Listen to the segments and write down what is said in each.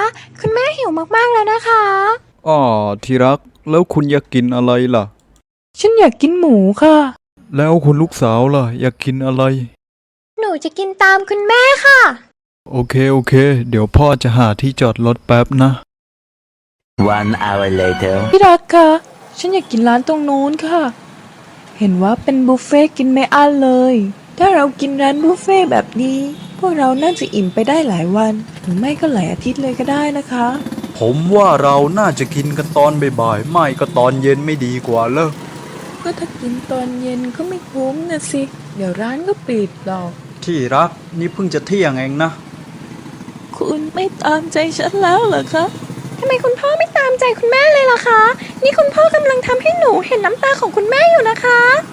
คุณแม่หิวมากๆแล้วนะคะอ๋อที่รักแล้วคุณอยากกินอะไรล่ะฉันอยากกินหมูค่ะแล้วคุณลูกสาวล่ะอยากกินอะไรหนูจะกินตามคุณแม่ค่ะโอเคเดี๋ยวพ่อจะหาที่จอดรถแป๊บนะ One hour later. พี่รักค่ะฉันอยากกินร้านตรงโน้นค่ะ เห็นว่าเป็นบุฟเฟ่ต์กินไม่อั้นเลย ถ้าเรากินร้านบุฟเฟ่ต์แบบนี้ พวกเราน่าจะอิ่มไปได้หลายวัน หรือไม่ก็หลายอาทิตย์เลยก็ได้นะคะผมว่าเราน่าจะกินกันตอนบ่ายๆไม่ก็ตอนเย็นไม่ดีกว่าเหรอก็ถ้ากินตอนเย็นก็ไม่คุ้มนะสิ เดี๋ยวร้านก็ปิดหรอกที่รักนี่เพิ่งจะเที่ยงเองนะคุณไม่ตามใจฉันแล้วเหรอคะทำไมคุณพ่อไม่ตามใจคุณแม่เลยล่ะคะ นี่คุณพ่อกำลังทำให้หนูเห็นน้ำตาของคุณแม่อยู่นะคะ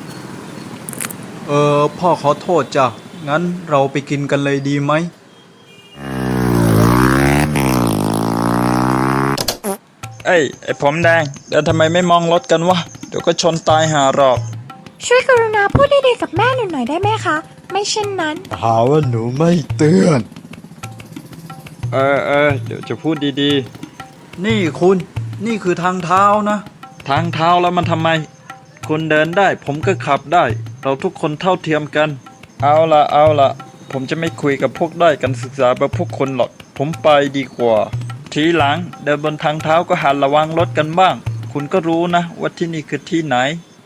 พ่อขอโทษจ้ะงั้นเราไปกินกันเลยดีไหมไอ้ผมแดงเดี๋ยวทำไมไม่มองรถกันวะเดี๋ยวก็ชนตายหาหรอกช่วยกรุณาพูดดีๆกับแม่หนูหน่อยได้ไหมคะ ไม่เช่นนั้นหาว่าหนูไม่เตือนเดี๋ยวจะพูดดีนี่คุณนี่คือทางเท้านะๆ ทางเท้าแล้วมันทำไม คุณเดินได้ผมก็ขับได้ เราทุกคนเท่าเทียมกัน เอาละผมจะไม่คุยกับพวกด้อยการศึกษาแบบพวกคนหรอก ผมไปดีกว่า ทีหลังเดินบนทางเท้าก็หันระวังรถกันบ้าง คุณก็รู้นะว่าที่นี่คือที่ไหน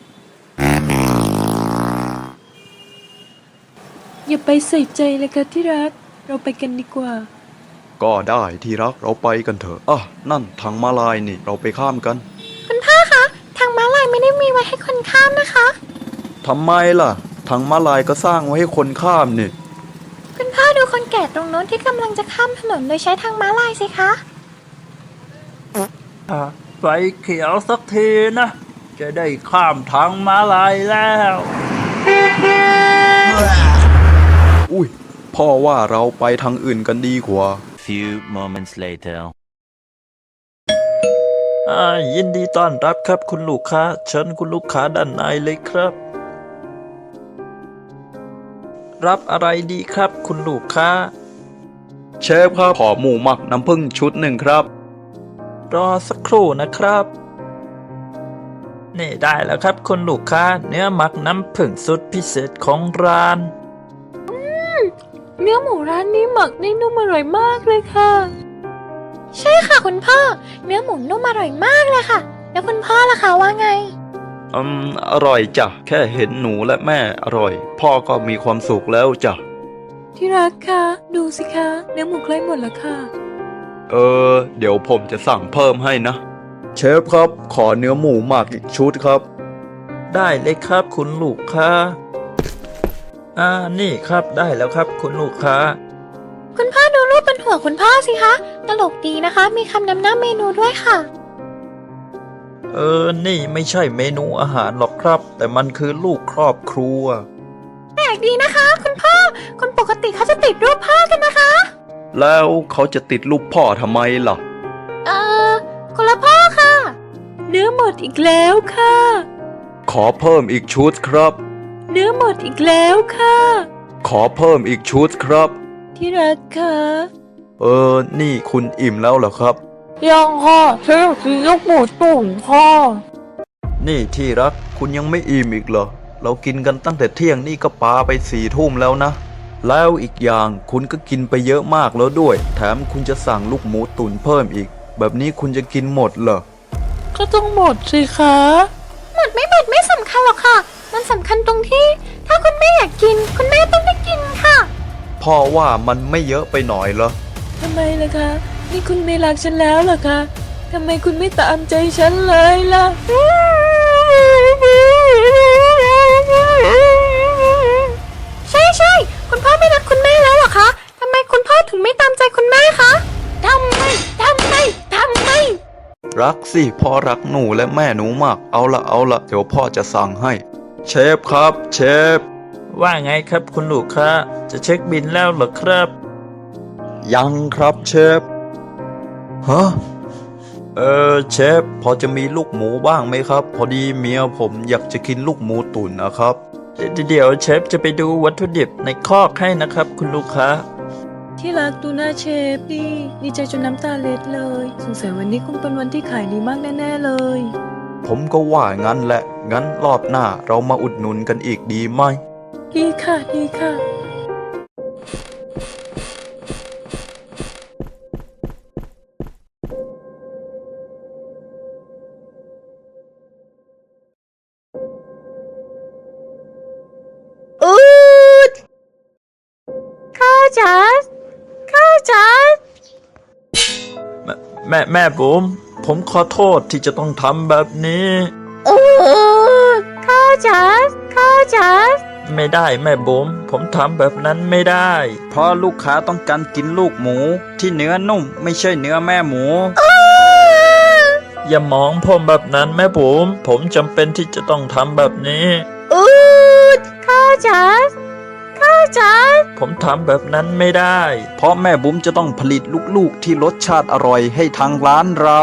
อย่าไปใส่ใจเลยค่ะที่รัก เราไปกันดีกว่าก็ได้ที่รักเราไปกันเถอะนั่นทางม้าลายนี่เราไปข้ามกันคุณพ่อคะ ทางม้าลายไม่ได้มีไว้ให้คนข้ามนะคะทำไมล่ะทางม้าลายก็สร้างไว้ให้คนข้ามนี่คุณพ่อดูคนแก่ตรงโน้นที่กำลังจะข้ามถนนโดยใช้ทางม้าลายสิคะไฟเขียวสักทีนะ จะได้ข้ามทางม้าลายแล้วอุ้ยพ่อว่าเราไปทางอื่นกันดีกว่า Few moments later. ยินดีต้อนรับครับคุณลูกค้าเชิญคุณลูกค้าด้านในเลยครับ รับอะไรดีครับคุณลูกค้าเชฟครับขอหมูหมักน้ำผึ้งชุดหนึ่งครับรอสักครู่นะครับ นี่ได้แล้วครับคุณลูกค้าเนื้อหมักน้ำผึ้งสุดพิเศษของร้านเนื้อหมูร้านนี้หมักได้นุ่มอร่อยมากเลยค่ะใช่ค่ะคุณพ่อ เนื้อหมูนุ่มอร่อยมากเลยค่ะ แล้วคุณพ่อล่ะคะว่าไงอร่อยจ้ะแค่เห็นหนูและแม่อร่อย พ่อก็มีความสุขแล้วจ้ะที่รักค่ะ ดูสิคะเนื้อหมูใกล้หมดแล้วค่ะเดี๋ยวผมจะสั่งเพิ่มให้นะ เชฟครับขอเนื้อหมูหมักอีกชุดครับได้เลยครับคุณลูกค้านี่ครับได้แล้วครับคุณลูกค้าคุณพ่อดูรูปบนหัวคุณพ่อสิคะ ตลกดีนะคะ มีคำนำหน้าเมนูด้วยค่ะนี่ไม่ใช่เมนูอาหารหรอกครับ แต่มันคือลูกครอบครัวแปลกดีนะคะ คุณพ่อ คนปกติเขาจะติดรูปพ่อกันนะคะแล้วเขาจะติดรูปพ่อทำไมล่ะคนละพ่อค่ะเนื้อหมดอีกแล้วค่ะขอเพิ่มอีกชุดครับเนื้อหมดอีกแล้วค่ะขอเพิ่มอีกชุดครับที่รักค่ะนี่คุณอิ่มแล้วเหรอครับยังค่ะฉันอยากกินลูกหมูตุ๋นค่ะนี่ที่รักคุณยังไม่อิ่มอีกเหรอ เรากินกันตั้งแต่เที่ยงนี่ก็ปาไป4 ทุ่มแล้วนะ แล้วอีกอย่างคุณก็กินไปเยอะมากแล้วด้วย แถมคุณจะสั่งลูกหมูตุ๋นเพิ่มอีก แบบนี้คุณจะกินหมดเหรอก็ต้องหมดสิคะหมดไม่สำคัญหรอกค่ะ มันสำคัญตรงที่ ถ้าคุณแม่อยากกิน คุณแม่ต้องได้กินค่ะพ่อว่ามันไม่เยอะไปหน่อยเหรอทำไมล่ะคะ นี่คุณไม่รักฉันแล้วเหรอคะทำไมคุณไม่ตามใจฉันเลยล่ะใช่คุณพ่อไม่รักคุณแม่แล้วเหรอคะทำไมคุณพ่อถึงไม่ตามใจคุณแม่คะทำไมรักสิพ่อรักหนูและแม่หนูมาก เอาละเดี๋ยวพ่อจะสั่งให้ เชฟครับเชฟว่าไงครับคุณลูกค้าจะเช็คบินแล้วเหรอครับยังครับเชฟ ฮะ เชฟพอจะมีลูกหมูบ้างไหมครับ พอดีเมียผมอยากจะกินลูกหมูตุ๋นนะครับเดี๋ยวเชฟจะไปดูวัตถุดิบในคอกให้นะครับคุณลูกค้าที่ที่รักดูหน้าเชฟดิดีใจจนน้ำตาเล็ดเลยสงสัยวันนี้คงเป็นวันที่ขายดีมากแน่ๆเลยผมก็ว่างั้นแหละ งั้นรอบหน้าเรามาอุดหนุนกันอีกดีไหมดีค่ะดีค่ะอูดข้าจ๋าข้าจ๋าแม่บุ๋มผมขอโทษที่จะต้องทำแบบนี้อูดข้าจ๋าข้าจ๋าไม่ได้แม่บุ๋มผมทำแบบนั้นไม่ได้ เพราะลูกค้าต้องการกินลูกหมูที่เนื้อนุ่มไม่ใช่เนื้อแม่หมู อย่ามองผมแบบนั้นแม่บุ๋มผมจำเป็นที่จะต้องทำแบบนี้อูดข้าจ๋าข้าจ๋าผมทำแบบนั้นไม่ได้เพราะแม่บุ๋มจะต้องผลิตลูกๆที่รสชาติอร่อยให้ทางร้านเรา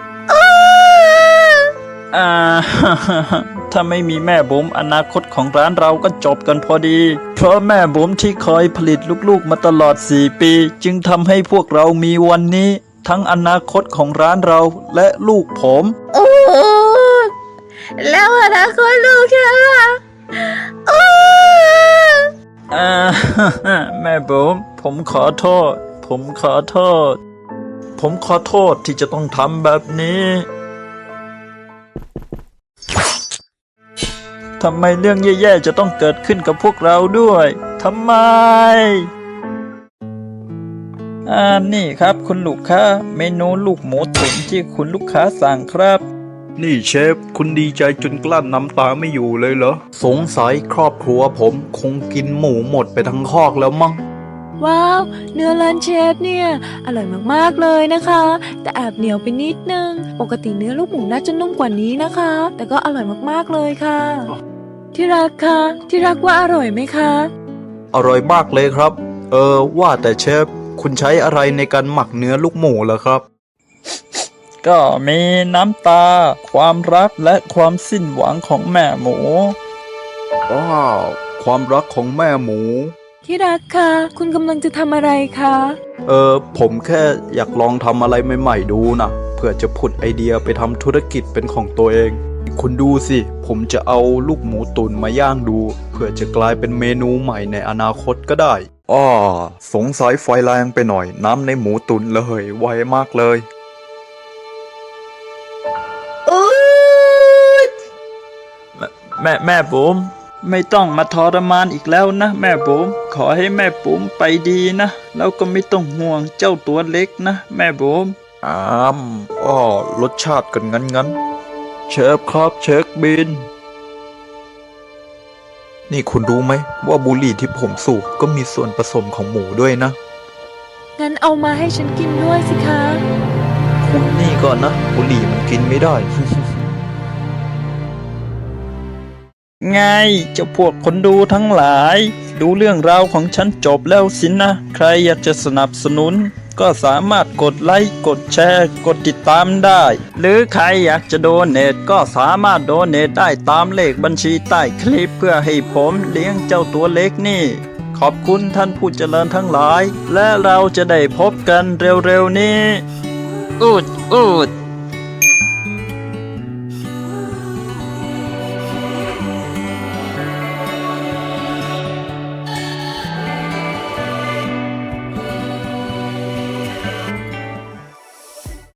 อ่า ถ้าไม่มีแม่บุ๋มอนาคตของร้านเราก็จบกันพอดี เพราะแม่บุ๋มที่คอยผลิตลูกๆมาตลอด4 ปีจึงทำให้พวกเรามีวันนี้ ทั้งอนาคตของร้านเราและลูกผมอูดแล้วอนาคตลูกฉันล่ะอูดอ่า แม่บุ๋มผมขอโทษ ผมขอโทษ ผมขอโทษที่จะต้องทำแบบนี้ ทำไมเรื่องแย่ๆจะต้องเกิดขึ้นกับพวกเราด้วย ทำไม นี่ครับคุณลูกค้า เมนูลูกหมูตุ๋นที่คุณลูกค้าสั่งครับนี่เชฟ คุณดีใจจนกลั้นน้ำตาไม่อยู่เลยเหรอ สงสัยครอบครัวผมคงกินหมูหมดไปทั้งคอกแล้วมั้งว้าว เนื้อร้านเชฟเนี่ยอร่อยมากๆเลยนะคะ แต่แอบเหนียวไปนิดนึง ปกติเนื้อลูกหมูน่าจะนุ่มกว่านี้นะคะ แต่ก็อร่อยมากๆเลยค่ะ ที่รักคะที่รักว่าอร่อยไหมคะอร่อยมากเลยครับ ว่าแต่เชฟ คุณใช้อะไรในการหมักเนื้อลูกหมูเหรอครับก็มีน้ำตา ความรักและความสิ้นหวังของแม่หมูว้าว ความรักของแม่หมูที่รักคะคุณกำลังจะทำอะไรคะผมแค่อยากลองทำอะไรใหม่ๆดูนะเพื่อจะผุดไอเดียไปทำธุรกิจเป็นของตัวเอง คุณดูสิ ผมจะเอาลูกหมูตุ๋นมาย่างดูเพื่อจะกลายเป็นเมนูใหม่ในอนาคตก็ได้สงสัยไฟแรงไปหน่อย น้ำในหมูตุ๋นระเหยไวมากเลยอูดแม่บุ๋มไม่ต้องมาทรมานอีกแล้วนะแม่บุ๋มขอให้แม่บุ๋มไปดีนะแล้วก็ไม่ต้องห่วงเจ้าตัวเล็กนะแม่บุ๋มรสชาติกันงั้นเชฟครับเช็คบิน นี่คุณรู้ไหมว่าบุหรี่ที่ผมสูบก็มีส่วนผสมของหมูด้วยนะงั้นเอามาให้ฉันกินด้วยสิคะคุณนี่ก่อนนะ บุหรี่มันกินไม่ได้ไงเจ้าพวกคนดูทั้งหลาย ดูเรื่องราวของฉันจบแล้วสินะ ใครอยากจะสนับสนุน ก็สามารถกดไลค์กดแชร์กดติดตามได้ หรือใครอยากจะโดเนทก็สามารถโดเนทได้ตามเลขบัญชีใต้คลิปเพื่อให้ผมเลี้ยงเจ้าตัวเล็กนี่ ขอบคุณท่านผู้เจริญทั้งหลาย และเราจะได้พบกันเร็วๆนี้ อูด